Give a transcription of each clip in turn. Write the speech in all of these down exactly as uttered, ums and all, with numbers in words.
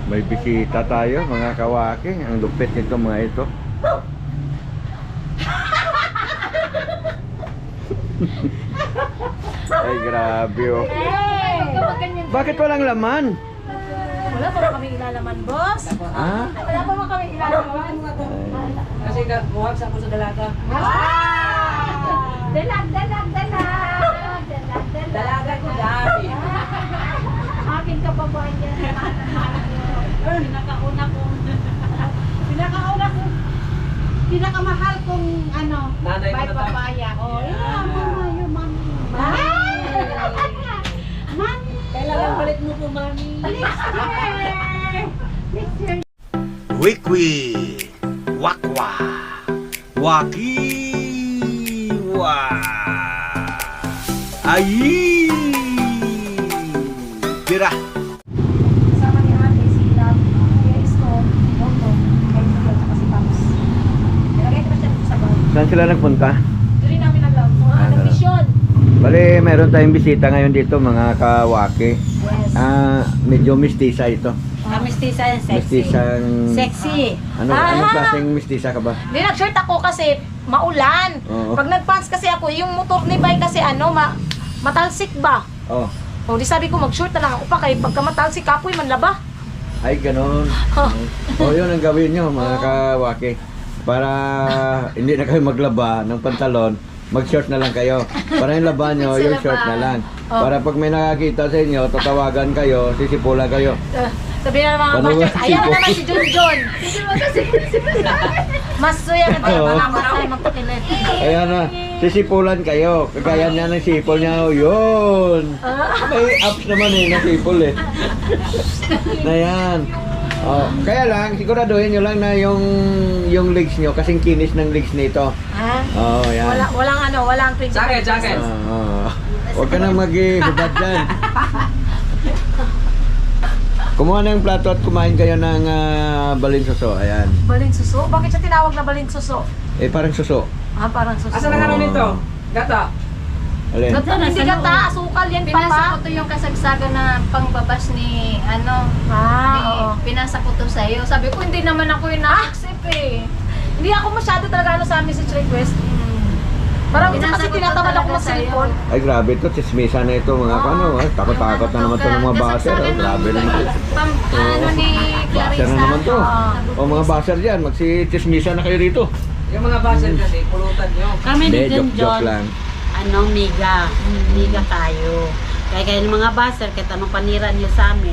May bisita tayo, mga kawaki. Ang lupit nito mga ito. Ay, grabe oh. Bakit walang laman? Wala pa kami ilalaman, boss. Ha? Wala pa kami ilalaman. Kasi muhag sa ako sa dalaga. Dalag, dalag, dalag. Dalag, dalag. Dalaga ko dami. Akin ka pa ba yan? Pinakauna kong... Pinakauna kong... Pinakamahal kong ano... Nanay ko bay na tayo. papaya. Oh, yeah, mama, your mommy. Mommy! Kailangan balik mo po, mami. Next year! Next year! Wikwi, wakwa, wakiwa, ayi, tira. Kasama ni Ate, si Love, Kuya Isko, Moto, kay Miguel, tsaka si Paps. Nilagay ko na siya sa bag. Saan sila nagpunta? Doon rin namin nag-love. Mga Ah, nag-mission. Bale, meron tayong bisita ngayon dito mga kawaki. Yes. Ah, medyo mistisa ito. Mistisa yan, sexy. Mistisang... Sexy. Ano, Ah. anong klaseng mistisa ka ba? Hindi, nag-shirt ako kasi maulan. Oo. Pag nag-pants kasi ako, yung motor ni Bay kasi ano, ma matalsik ba? Oh, O, di sabi ko mag-short na lang ako pa kay pagka matalsik kapoy man laba. ay ganon. Oh, yun ang gawin nyo mga kawaki. Para hindi na kayo maglaba ng pantalon, mag-short na lang kayo. Para yung laba nyo, yung short na lang. Para pag may nakakita sa inyo, tatawagan kayo, sisipulan kayo. Uh, sabi na ng mga Paano ba bashers, ayan na sipol? naman si John John. Mas suya na tayo, Oo. mga matay, magpakilit. Ayan na, sisipulan kayo. Kagaya niya ng sipol niya, oh, yun. May apps naman eh, na sipol eh. Na yan. Oh, kaya lang, siguraduhin nyo lang na yung yung legs nyo, kasing kinis ng legs nito. Ha? Oh, yan. Wala, walang ano, walang twenty-five Jacket, jacket. pesos. Ah, huwag ka nang mag-ibad dyan. Kumuha na yung plato at kumain kayo ng uh, balinsuso. Ayan. Balin suso? Bakit siya tinawag na balin suso? Eh, parang suso. Ah, parang suso. Asa na nga nito? Gata. Alin? Gata, hindi gata, asukal yan, Pinasa ko papa. to yung kasagsagan na pangbabas ni ano, Ah, ni, oo. pinasa ko to sa'yo. Sabi ko, hindi naman ako yung na-accept eh. Hindi ako masyado talaga ano sa message request. Parang minsan kasi Pinasa ko to tinatamad ako talaga ng sa'yo. cellphone. Ay, grabe to. Chismisa na ito mga kano. Eh. Takot-takot na naman to ng mga baser. Oh. Grabe naman. Pam, ano ni Baser Clarissa. na naman to. Oo. O mga baser dyan, magsi-chismisa na kayo rito. Yung mga basel kasi, pulutan nyo. Kami ni Hindi, John joke-joke John, lang. ano, miga. Miga tayo. Kaya kayo ng mga baser, kahit anong panira niyo sa amin.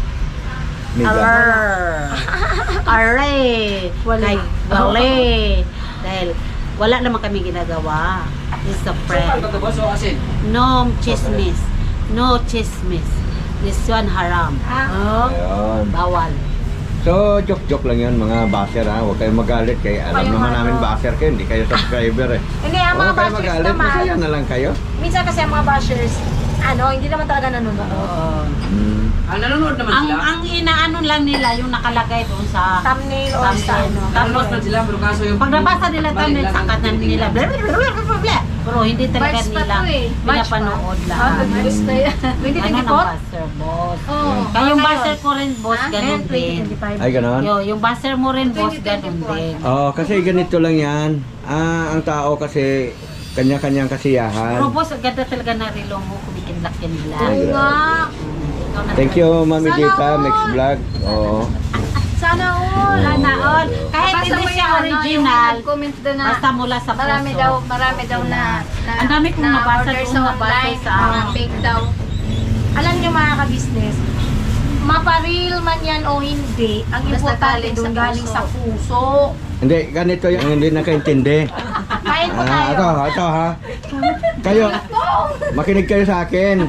Miga. Arr! Arre! Wala. Kay, wala. Dahil wala naman kami ginagawa. It's a Sukal friend. ba ito, boss? O asin? No chismis. No chismis. This one haram. Ah. Ayun. Bawal. So, joke-joke lang yun mga baser ha. Huwag kayong magalit. Kaya alam Kayong naman ano. namin baser kayo. Hindi kayo subscriber eh. Hindi, ang mga Huwag kayong bashers magalit. naman. Masaya na lang kayo. Minsan kasi ang mga bashers, ano, hindi naman talaga nanonood. Oo. Hmm. Ang nanonood naman Ang sila. ang inaano lang nila yung nakalagay doon sa Thumbnail or sa thumbnail. ano. Nanonood man sila, pero kaso yung... Pag nabasa nila Mali thumbnail lang sa ang kanan tinitingnan. nila, blah, blah, blah, blah, blah, blah. Pero hindi talaga March pa nila to eh. pinapanood lang. Ah, Gusto yan. twenty Ano ng twenty-four? buzzer, boss? Oo. Kaya yung ngayon? buzzer ko rin, boss, Ah, ganun Ngayon, twenty din. twenty-five. Ay, ganon. Yo, yung buzzer mo rin, boss, twenty ganun twenty-four. din. Oh, kasi ganito lang yan. Ah, ang tao kasi kanya-kanyang kasiyahan. Pero boss, ang ganda talaga na relo mo, kumikinlak yan nila. Ay, Oo nga. Ikaw na Thank you, Mami Sana Dita, all. Mix Vlog. Oo. Sana all. Sana all. Kahit Basta hindi mo siya yung ano, yung original, nag-comment doon na basta mula sa puso. marami daw, marami daw na, na Ang dami kong na nabasa order doon, sa nabasa online, sa- mga fake daw. Alam niyo mga ka-business, maparil man yan o hindi, ang Basta importante galing doon sa galing puso. sa puso. Hindi, ganito yung hindi nakaintindi. Kain po Ah, tayo. ito, ito ha. Kayo, makinig kayo sa akin.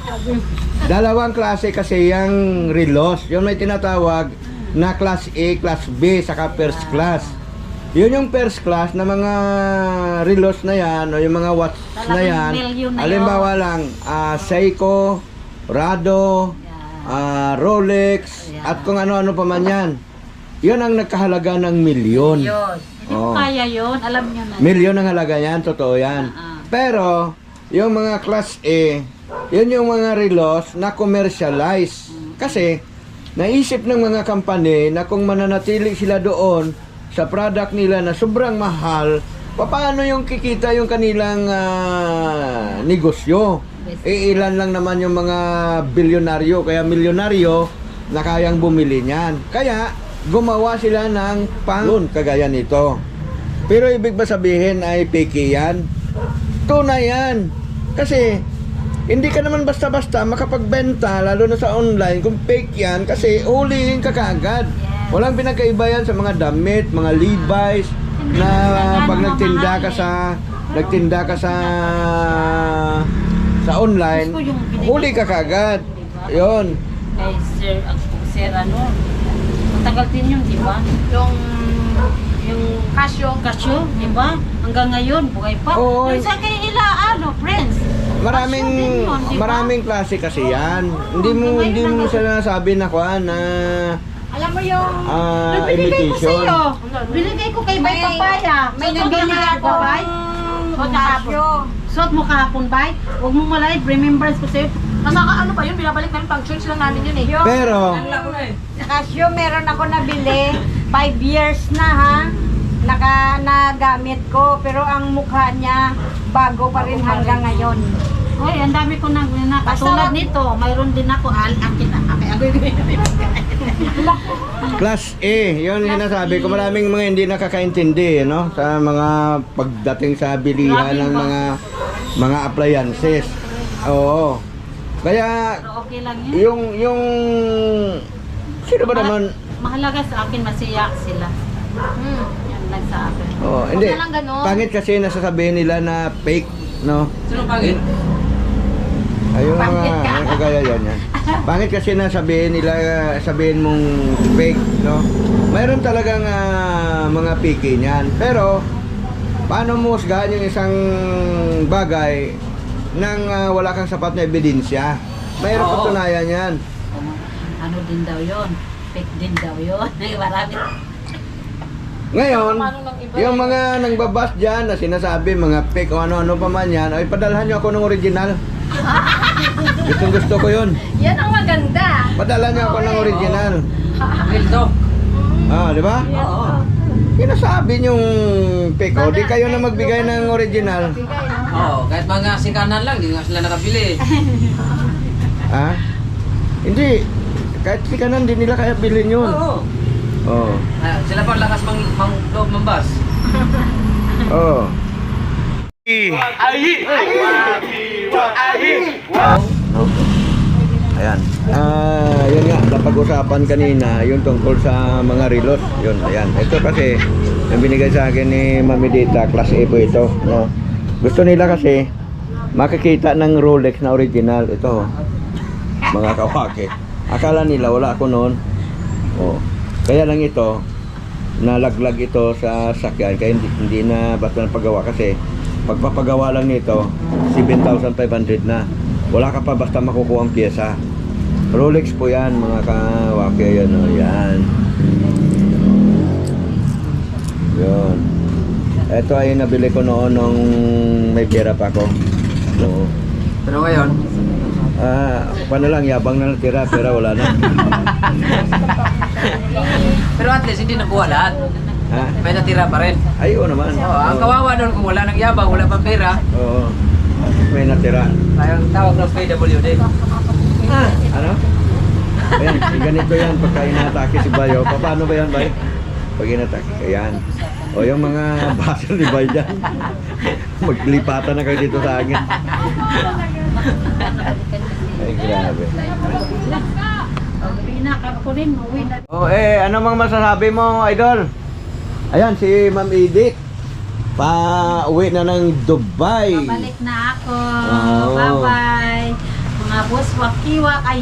Dalawang klase kasi yung relos. Yung may tinatawag na class A, class B, saka first class. Yun yung first class na mga relos na yan o yung mga watch na Talagang yan. million na Halimbawa lang, ah, Seiko, Rado, ah, Rolex, Yeah. at kung ano-ano pa man yan. Yun ang nagkahalaga ng milyon. Yun. Hindi Oo. ko kaya yun, alam nyo na. Milyon ang halaga yan, totoo yan. Ah, ah. Pero, yung mga class A, yun yung mga relos na commercialize. Kasi, naisip ng mga company na kung mananatili sila doon sa product nila na sobrang mahal, paano yung kikita yung kanilang ah, negosyo? E ilan lang naman yung mga bilyonaryo, kaya milyonaryo na kayang bumili niyan. Kaya gumawa sila ng pang kagaya nito. Pero ibig ba sabihin ay fake yan? Tunay yan. Kasi hindi ka naman basta-basta makapagbenta, lalo na sa online, kung fake yan, kasi hulihin ka kaagad. Walang pinagkaiba yan sa mga damit, mga Levi's, na pag nagtinda ka sa nagtinda ka sa sa online, huli ka kaagad. Yun. Kay Sir, ang Sir ano, matagal din yun, di ba? Yung Yung Casio. Casio, di ba? Hanggang ngayon, buhay pa. Oo. Yung sa kay ila, ano, friends. Maraming Casio din yun, di ba? maraming klase kasi yan. Hindi mo hindi mo sinasabi na kuan na Alam mo yung... ah, Binigay ko imitation. sa'yo. Binigay ko kay Bay May- Papaya. may Suot mo nabili kahapon ako ba, Bay? Suot mo kahapon. Casio. Suot mo kahapon, Bay. Huwag mo malay, remembrance ko sa'yo. Masaka ano pa yun, binabalik namin pang church lang namin yun eh. Yung Pero Wala ko na eh. Casio, meron ako nabili. Five years na ha. Naka, nagamit ko. Pero ang mukha niya, bago pa rin hanggang ngayon. Hoy, ang dami ko nang na, katulad nito, mayroon din ako al akin na kaya agoy Class A, yun yung sinasabi ko. Maraming mga hindi nakakaintindi, no? Sa mga pagdating sa bilihan ng mga mga appliances. Oo. Kaya Pero okay lang yun. yung yung sino ba naman? Mahalaga sa akin masiyak sila. Hmm. Yan lang sa akin. Oh, hindi. na lang ganun. Pangit kasi nasasabihin nila na fake, no? Sino pangit? Ayun Pangit mga, ka. ang kagaya yan yan. Pangit kasi na sabihin nila, sabihin mong fake, no? Mayroon talagang ah, mga fake niyan. Pero, paano mo husgahan yung isang bagay nang ah, wala kang sapat na ebidensya? Mayroon Oo. patunayan yan. Ano din daw yun? Fake din daw yun. Marami. Ngayon, Paano ng iba yung eh? mga nangbabas dyan na sinasabi, mga fake o ano-ano pa man yan, ay padalhan nyo ako ng original. Gustong gusto ko yun. Yan ang maganda. Padalhan nyo ako ng original. Real to. Ah, di ba? Oo. Sinasabi nyong fake o, di kayo na magbigay ng original. Oo, kahit mga sikanan lang, di nga sila nakabili. Ha? Hindi. Kahit sikanan, di nila kaya bilhin yun. Oo. Oo. Ah, sila pa lakas mang, mang loob ng bus. Oo. Ayan. Ah, yun nga, napag-usapan kanina yung tungkol sa mga relos. Yun, ayan. Ito kasi, yung binigay sa akin ni Mami Dita, class A po ito, no? Gusto nila kasi makikita ng Rolex na original. Ito, oh. Mga kawake. Akala nila wala ako noon. Oh. Kaya lang ito, nalaglag ito sa sakyan. Kaya hindi, hindi na basta na paggawa kasi pagpapagawa lang nito, seven thousand five hundred na. Wala ka pa basta makukuha ang pyesa. Rolex po yan, mga kawake. Yan, oh, yan. Yun. Ito ay nabili ko noon nung may pera pa ako. So, Pero ngayon, ah, paano lang, yabang na natira, pera wala na. pero at least hindi nakuha lahat. Ha? May natira pa rin. Ay, oo naman. Oo, ang kawawa doon kung wala nang yabang, wala pang pera, Oo. May natira. tayong tawag ng P W D. Ah, ano? Ayan, ganito yan pagka inatake si Bayo. Pa- Paano ba yan, Bay? Pag inatake, ayan. O yung mga basel ni Bay dyan. Maglipatan na kayo dito sa akin. Ay, grabe. Pinaka ko rin, uwi na. O eh, ano mang masasabi mo, Idol? Ayan, si Ma'am Edith. Pa-uwi na ng Dubai. Babalik na ako. Oh. Bye-bye. Mga boss, wakiwak. Ay!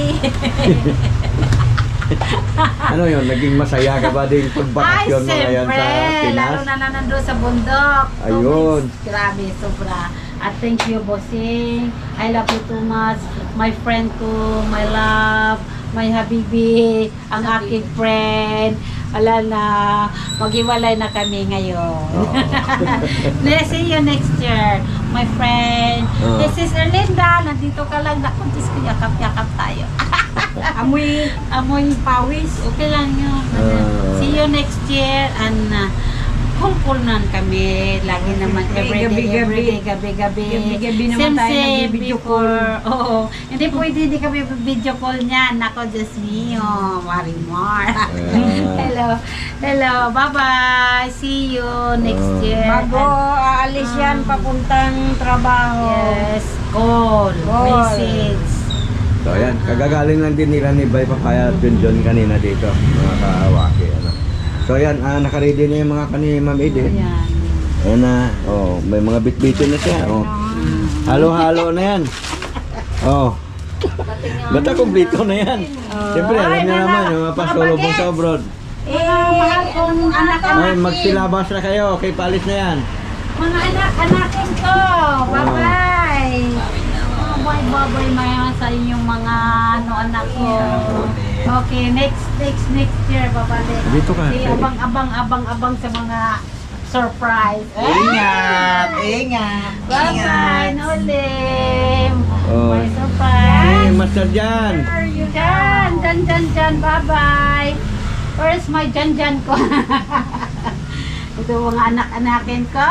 Ano yun, naging masaya ka ba din pagbakasyon mo ngayon sa siyempre. Lalo Pinas? na na nandun sa bundok. Two Ayun. weeks. Grabe, sobra. At thank you, bossing. I love you too much. My friend ko, my love, my habibi, ang aking friend. Wala na, maghiwalay na kami ngayon. Let's see you next year, my friend. Oh. This is Erlinda. Nandito ka lang. Naku, Diyos ko, yakap-yakap tayo. Amoy Amoy pawis. okay lang yun. Ah. See you next year and uh, kumpulnan kami lagi naman everyday, Gabi-gabi. everyday, gabi-gabi. Gabi-gabi naman Same, tayo same nag-video before. Oo. Hindi pwede, hindi kami video call niya. Nako, Diyos mio. Marimar. Hello. Hello. Bye-bye. See you next Ah. year. Bago aalis yan, papuntang trabaho. Yes. Call. Call. Message. So ayan, kagagaling lang din nila ni Bay Papaya at Junjun kanina dito, mga kaawaki. Ano. So ayan, ah, nakaready na yung mga kani Ma'am Edith. Ayan. Ayan na, oh, may mga bit-bitin na siya. Oh. Halo-halo na yan. Oh. Basta kumpleto na yan. Siyempre, alam niyo naman, yung mga pasulubong sa abroad. Eh, mahal kong anak-anak. Ay, magsilabas na kayo, okay, palis na yan. Mga anak-anakin ko. Bye-bye. Oh, bye-bye maya sa inyong mga ano anak ko. Okay, next next next year babalik. Dito ka. Si abang-abang abang-abang sa mga surprise. Ingat! Ingat! Bye-bye, Nolim. Oh. May Hey, surprise. Master Jan. Where are you? Jan, Jan, Jan, Jan. Bye-bye. Where's my Jan, Jan ko? Ito mga anak-anakin ko.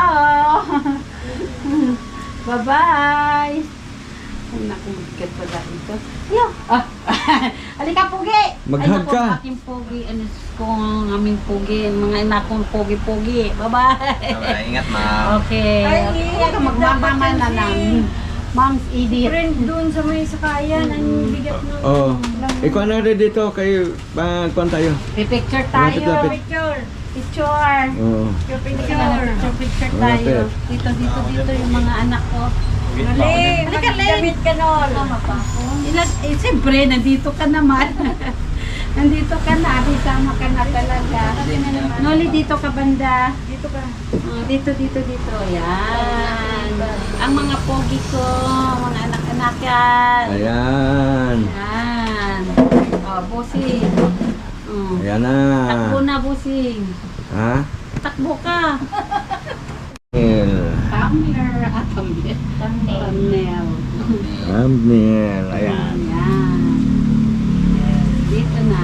Bye-bye. Ay, naku, bigat pala ito. Yo! Ah. Halika, Pugi! Mag-hug Ay, naku, ka. ang aking Pugi. Ano ko, ang aming Pugi. Mga anak kong Pugi-Pugi. Bye-bye. Ingat, ma'am. Okay. Ay, okay. iyak Ito, magmamama na lang. Mom's Edith. Friend doon sa may sakayan, ang bigat ng Oh. Ikaw na rin dito, kayo, pagkuhan tayo. Pipicture Lapit, tayo. lapit. picture. Picture. Oh. Picture, Picture, picture. picture, picture Malapit. tayo. Dito, dito, dito yung mga anak ko. Mali, Halika, Len. magdamit ka nun. Ilan, eh, siyempre, nandito ka naman. nandito ka na, bisama ka na talaga. Noli, dito ka banda. Dito ka. Oh, dito, dito, dito. Yan. Ang mga pogi ko, mga anak-anak yan. Ayan. Yan. Oh, busing. Oh. Ayan na. Takbo na, busing. Ha? Takbo ka. Thumbnail. Thumbnail. Ah, thumbnail. Thumbnail. Thumbnail. Ayan. Yan. Dito na.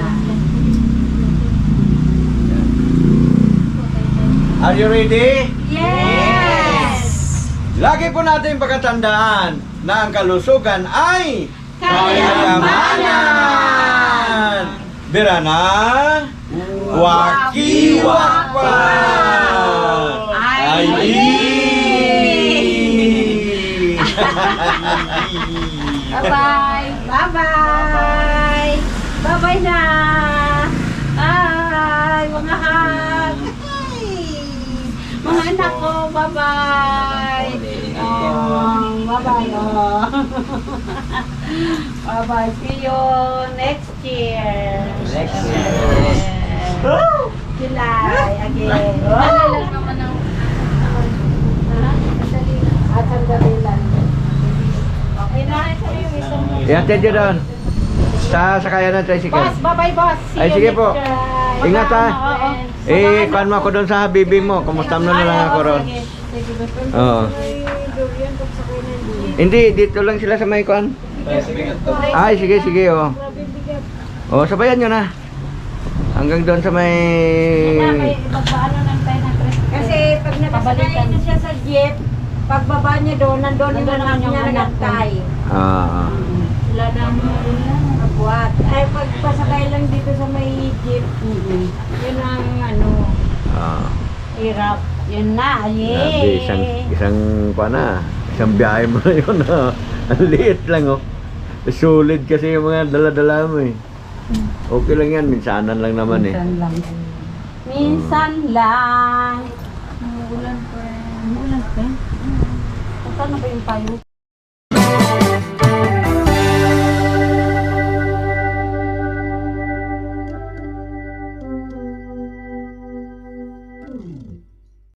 Are you ready? Yes! Lagi po natin pagkatandaan na ang kalusugan ay kayamanan. Bira na, waki-wakwa. Ay! Bye-bye! Bye-bye! Bye-bye na! Ay! Mga hug! Ay! Mga anak ko, bye-bye! Oh, bye-bye! Oh. Bye-bye! See you next year! Next year. July again! Ano lang naman ang At sandali lang. Okay na? Ihatid nyo doon. Sa sakayan ng tricycle. Boss, bye-bye boss. See Ay, you sige next po. year. Ingat, ha. Oo. Eh, kuhan mo ako doon sa habibi mo. Kumusta mo na lang ako ron. Oo. Hindi, dito lang sila sa may kuhan. Ay, sige, sige, oh. Oh, sabayan nyo na. Hanggang doon sa may... Magpaano lang tayo ng tricycle. Kasi pag nakasakay na siya sa jeep, pagbaba niya doon, nandun yung Nandun anak yung niya anak ko. nagtay. Ah, Wala na mo. Kabuat. Ay, pagpasakay lang dito sa may jeep, yun ang ano, ah. Hirap. Yun na. Grabe, Yay! isang, isang, pa na, isang biyahe mo na yun, ha. Ang liit lang, oh. Solid kasi yung mga dala-dala mo, eh. Okay lang yan, minsanan lang naman, eh. Minsan lang. Minsan lang. Ulan pa. Ulan pa. Saan na ba yung payo